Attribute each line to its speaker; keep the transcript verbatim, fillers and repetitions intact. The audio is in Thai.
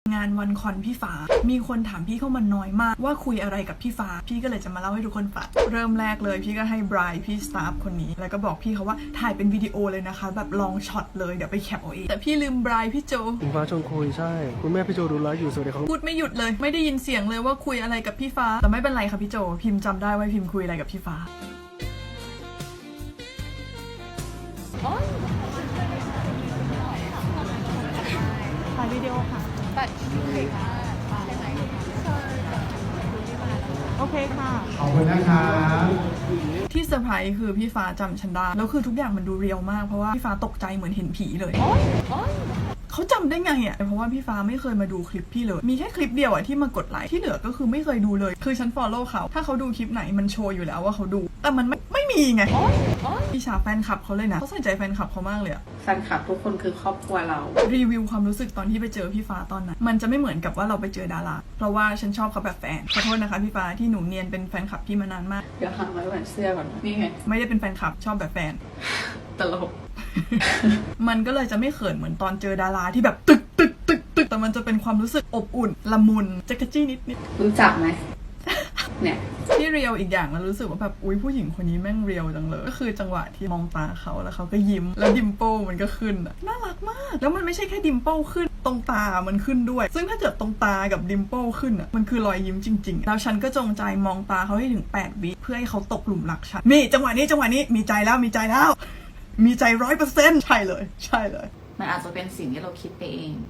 Speaker 1: งานวันคอนพี่ฟ้ามีคนถามพี่เข้ามาน้อยมากว่าคุยอะไรกับพี่ฟ้าพี่ก็เลยจะมาเล่าให้ทุกคนฟังเริ่มแรกเลยพี่ก็ให้ไบรท์พี่สตาฟคนนี้แล้วก็บอกพี่เขาว่าถ่ายเป็นวิดีโอเลยนะคะแบบลองช็อตเลยเดี๋ยวไปแคปเอาเองแต่พี่ลืมไบรท์พี่โจ
Speaker 2: คุณฟ้าชวนคุยใช่คุณแม่พี่โจดูไลฟ์อยู่สวัสดีครับ
Speaker 1: พูดไม่หยุดเลยไม่ได้ยินเสียงเลยว่าคุยอะไรกับพี่ฟ้าแต่ไม่เป็นไรค่ะพี่โจพิมพ์จำได้ว่าพิมพ์คุยอะไรกับพี่ฟ้าถ่ายวิดีโอค่ะตัดคลิปใช่ไหมโอเคค่ะ
Speaker 3: ขอบคุณนะครับ
Speaker 1: ที่เซอร์ไพรส์คือพี่ฟ้าจำฉันได้แล้วคือทุกอย่างมันดูเรียลมากเพราะว่าพี่ฟ้าตกใจเหมือนเห็นผีเลยเขาจำได้ไงอ่ะเพราะว่าพี่ฟ้าไม่เคยมาดูคลิปพี่เลยมีแค่คลิปเดียวอ่ะที่มากดไลค์ที่เหลือก็คือไม่เคยดูเลยคือฉัน follow เขาถ้าเขาดูคลิปไหนมันโชว์อยู่แล้วว่าเขาดูแต่มันไม่ไม่มีไงพี่ชาแฟนคลับเขาเลยนะเขาใส่ใจแฟนคลับเขามากเลยอะ
Speaker 4: แฟนคลับทุกคนคือครอบครัวเรา
Speaker 1: รีวิวความรู้สึกตอนที่ไปเจอพี่ฟ้าตอนนั้นมันจะไม่เหมือนกับว่าเราไปเจอดาราเพราะว่าฉันชอบเขาแบบแฟนขอโทษนะคะพี่ฟ้าที่หนูเนียนเป็นแฟนคลับพี่มานานมาก
Speaker 4: เดี๋ยวหาไว้แหวนเสื้อก่อนนี่ไง
Speaker 1: ไม่ได้เป็นแฟนคลับชอบแบบแฟน
Speaker 4: ตลก
Speaker 1: มันก็เลยจะไม่เขินเหมือนตอนเจอดาราที่แบบตึกตึกตึกตึกแต่มันจะเป็นความรู้สึกอบอุ่นละมุนจักรจี้นิดนิด
Speaker 4: รู้จักไหมเนี่ย
Speaker 1: ที่เรียวอีกอย่างแล้วรู้สึกว่าแบบอุ้ยผู้หญิงคนนี้แม่งเรียวจังเลยก็คือจังหวะที่มองตาเขาแล้วเขาก็ยิ้มแล้วดิมเปิลมันก็ขึ้นน่ารักมากแล้วมันไม่ใช่แค่ดิมเปิลขึ้นตรงตามันขึ้นด้วยซึ่งถ้าเกิดตรงตากับดิมเปิลขึ้นอ่ะมันคือรอยยิ้มจริงๆแล้วฉันก็จงใจมองตาเขาให้ถึงแปดวิเพื่อให้เขาตกหลุมรักฉันนี่จังหวะนี้จังหวะนี้มีใจแล้วมีใจแล้วมีใจร้อยเปอร์เซ็นต์ใช่เลยใช่เลย
Speaker 4: มันอาจจะเป็นสิ่งที่เราคิดไปเอง